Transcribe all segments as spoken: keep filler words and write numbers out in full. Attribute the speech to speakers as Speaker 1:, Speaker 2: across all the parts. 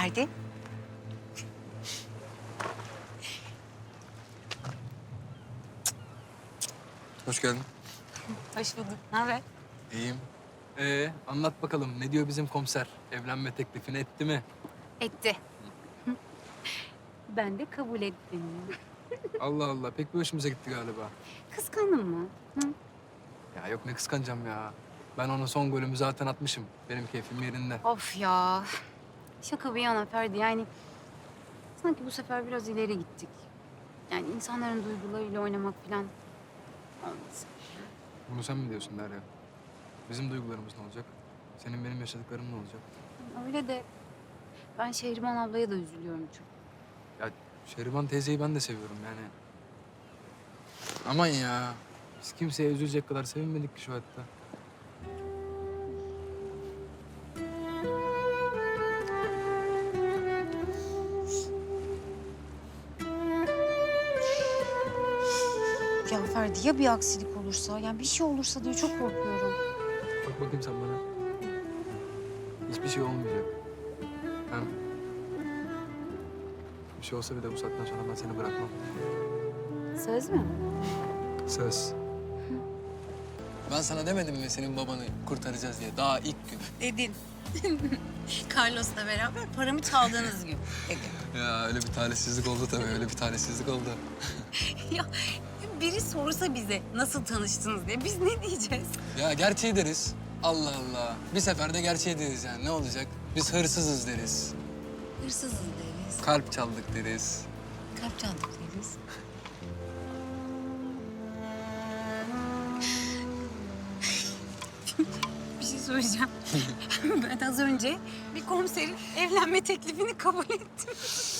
Speaker 1: Ferdi.
Speaker 2: Hoş geldin.
Speaker 1: Hoş bulduk. Ne haber?
Speaker 2: İyiyim. Ee, anlat bakalım ne diyor bizim komiser? Evlenme teklifini etti mi?
Speaker 1: Etti. Ben de kabul ettim.
Speaker 2: Allah Allah pek bir hoşumuza gitti galiba.
Speaker 1: Kıskandın mı? Hı?
Speaker 2: Ya yok ne kıskanacağım ya. Ben ona son golümü zaten atmışım. Benim keyfim yerinde.
Speaker 1: Of ya. Şaka bir yana Ferdi yani sanki bu sefer biraz ileri gittik. Yani insanların duygularıyla oynamak falan olmaz.
Speaker 2: Bunu sen mi diyorsun Derya? Bizim duygularımız ne olacak? Senin benim yaşadıklarım ne olacak?
Speaker 1: Öyle de ben Şehriman ablaya da üzülüyorum çok.
Speaker 2: Ya Şehriban teyzeyi ben de seviyorum yani. Aman ya. Biz kimseye üzülecek kadar sevinmedik ki şu hayatta.
Speaker 1: Ya Ferdi ya bir aksilik olursa, yani bir şey olursa diye çok korkuyorum.
Speaker 2: Bak bakayım sen bana. Hiçbir şey olmayacak. Hem bir şey olsa bile bu saatten sonra ben seni bırakmam.
Speaker 1: Söz mü?
Speaker 2: Söz. Ben sana demedim mi senin babanı kurtaracağız diye daha ilk gün.
Speaker 1: Dedin. Carlos'la beraber paramı çaldığınız gün dedin.
Speaker 2: Ya öyle bir talihsizlik oldu tabii, öyle bir talihsizlik oldu.
Speaker 1: Ya biri sorsa bize nasıl tanıştınız diye biz ne diyeceğiz?
Speaker 2: Ya gerçeği deriz. Allah Allah. Bir seferde gerçeği deriz yani ne olacak? Biz hırsızız deriz.
Speaker 1: Hırsızız deriz.
Speaker 2: Kalp çaldık deriz.
Speaker 1: Kalp çaldık deriz. Bir şey söyleyeceğim. Ben az önce bir komiserin evlenme teklifini kabul ettim.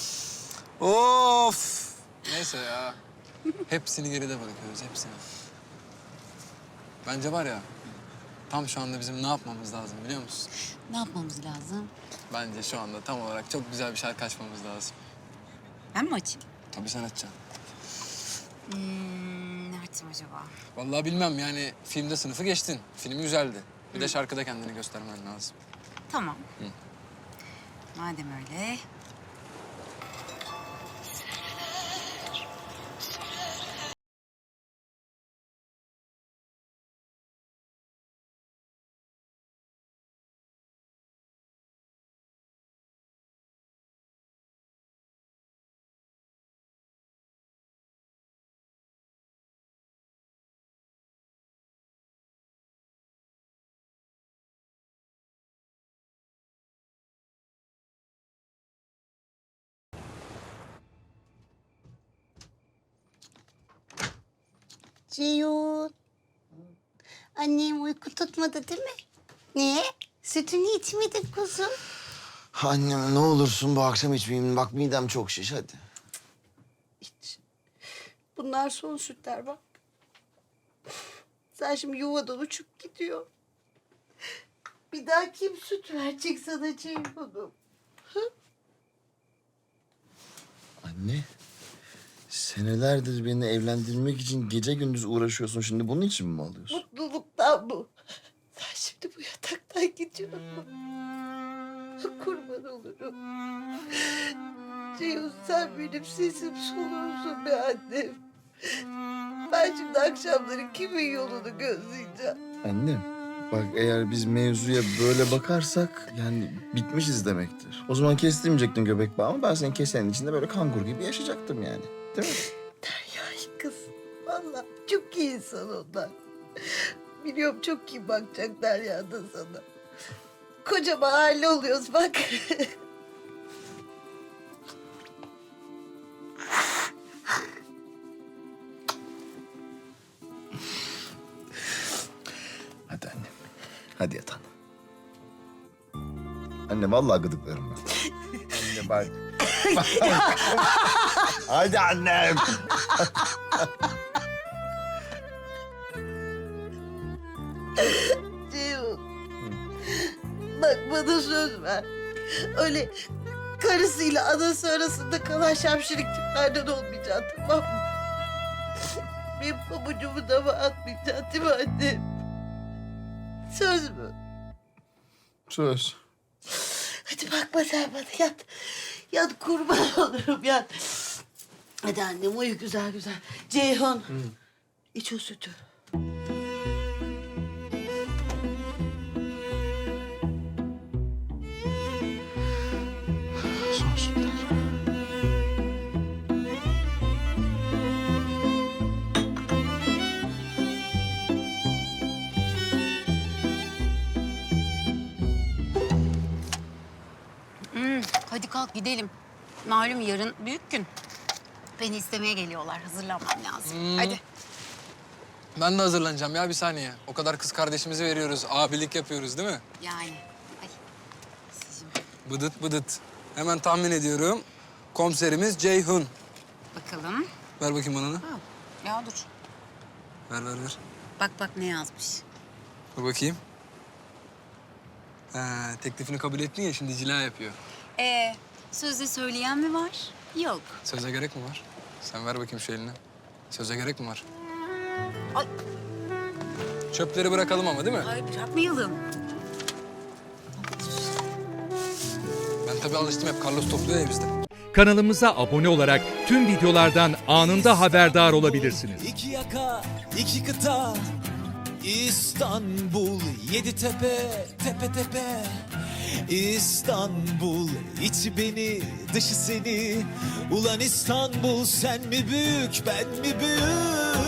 Speaker 2: Of! Neyse ya. Hepsini geride bırakıyoruz, hepsini. Bence var ya, tam şu anda bizim ne yapmamız lazım biliyor musun?
Speaker 1: Ne yapmamız lazım?
Speaker 2: Bence şu anda tam olarak çok güzel bir şarkı açmamız lazım.
Speaker 1: Ben mi açayım?
Speaker 2: Tabii sen açacaksın.
Speaker 1: Hmm, ne açayım acaba?
Speaker 2: Vallahi bilmem yani filmde sınıfı geçtin. Film güzeldi. Bir de şarkıda kendini göstermen lazım.
Speaker 1: Tamam.
Speaker 2: Hı.
Speaker 1: Madem öyle.
Speaker 3: Ceyhun. Annem uyku tutmadı değil mi? Niye? Sütünü içmedin kuzum.
Speaker 4: Annem ne olursun bu akşam içmeyeyim. Bak midem çok şiş hadi.
Speaker 3: İç. Bunlar son sütler bak. Sen şimdi yuvadan uçup gidiyor. Bir daha kim süt verecek sana Ceyhun'um?
Speaker 4: Anne. Senelerdir beni evlendirmek için gece gündüz uğraşıyorsun. Şimdi bunun için mi alıyorsun?
Speaker 3: Mutluluktan bu. Sen şimdi bu yataktan gidiyorsun. Kurban olurum. Ceyhun sen benim sesim solumsun be annem. Ben şimdi akşamları kimin yolunu gözleyeceğim?
Speaker 4: Annem. Bak eğer biz mevzuya böyle bakarsak yani bitmişiz demektir. O zaman kestirmeyecektin göbek bağımı. Ben senin kesenin içinde böyle kangur gibi yaşayacaktım yani. Değil mi?
Speaker 3: Derya'yı kız. Vallahi çok iyi insan onlar. Biliyorum çok iyi bakacak Derya da sana. Kocaman aile oluyoruz bak.
Speaker 4: Hadi annem. Hadi yat anne. Anne vallahi gıdıklarım ben. Anne bak. Hadi annem.
Speaker 3: Ceyhun. Bak bana söz ver. Öyle karısıyla anası arasında kalan şapşirik tiplerden olmayacaksın tamam mı? Benim pabucumu da mı atmayacaksın değil mi anne? Söz mü?
Speaker 4: Söz.
Speaker 3: Hadi bakma sen bana yat. Yat kurban olurum yat. Hadi annem uyu güzel güzel. Ceyhun iç o sütü.
Speaker 4: Son sütler.
Speaker 1: Hmm, hadi kalk gidelim. Malum yarın büyük gün. Beni istemeye geliyorlar. Hazırlanmam lazım.
Speaker 2: Hmm.
Speaker 1: Hadi.
Speaker 2: Ben de hazırlanacağım ya bir saniye. O kadar kız kardeşimizi veriyoruz, abilik yapıyoruz değil mi?
Speaker 1: Yani. Ay. Sizin.
Speaker 2: Bıdıt bıdıt. Hemen tahmin ediyorum. Komiserimiz Ceyhun.
Speaker 1: Bakalım.
Speaker 2: Ver bakayım bana onu.
Speaker 1: Ha, ya dur.
Speaker 2: Ver ver ver.
Speaker 1: Bak bak ne yazmış.
Speaker 2: Dur bakayım. Ha, teklifini kabul ettin ya şimdi cila yapıyor.
Speaker 1: Ee, sözde söyleyen mi var? Yok.
Speaker 2: Söze gerek mi var? Sen ver bakayım şu elini. Söze gerek mi var?
Speaker 1: Ay,
Speaker 2: Çöpleri bırakalım ama değil mi?
Speaker 1: ay bırakmayalım.
Speaker 2: Ben tabii alıştım hep Carlos topluyor ya bizde.
Speaker 5: Kanalımıza abone olarak tüm videolardan anında haberdar olabilirsiniz.
Speaker 6: İki yaka, iki kıta, İstanbul, yedi tepe, tepe tepe. İstanbul, içi beni, dışı seni. Ulan İstanbul, sen mi büyük, ben mi büyük?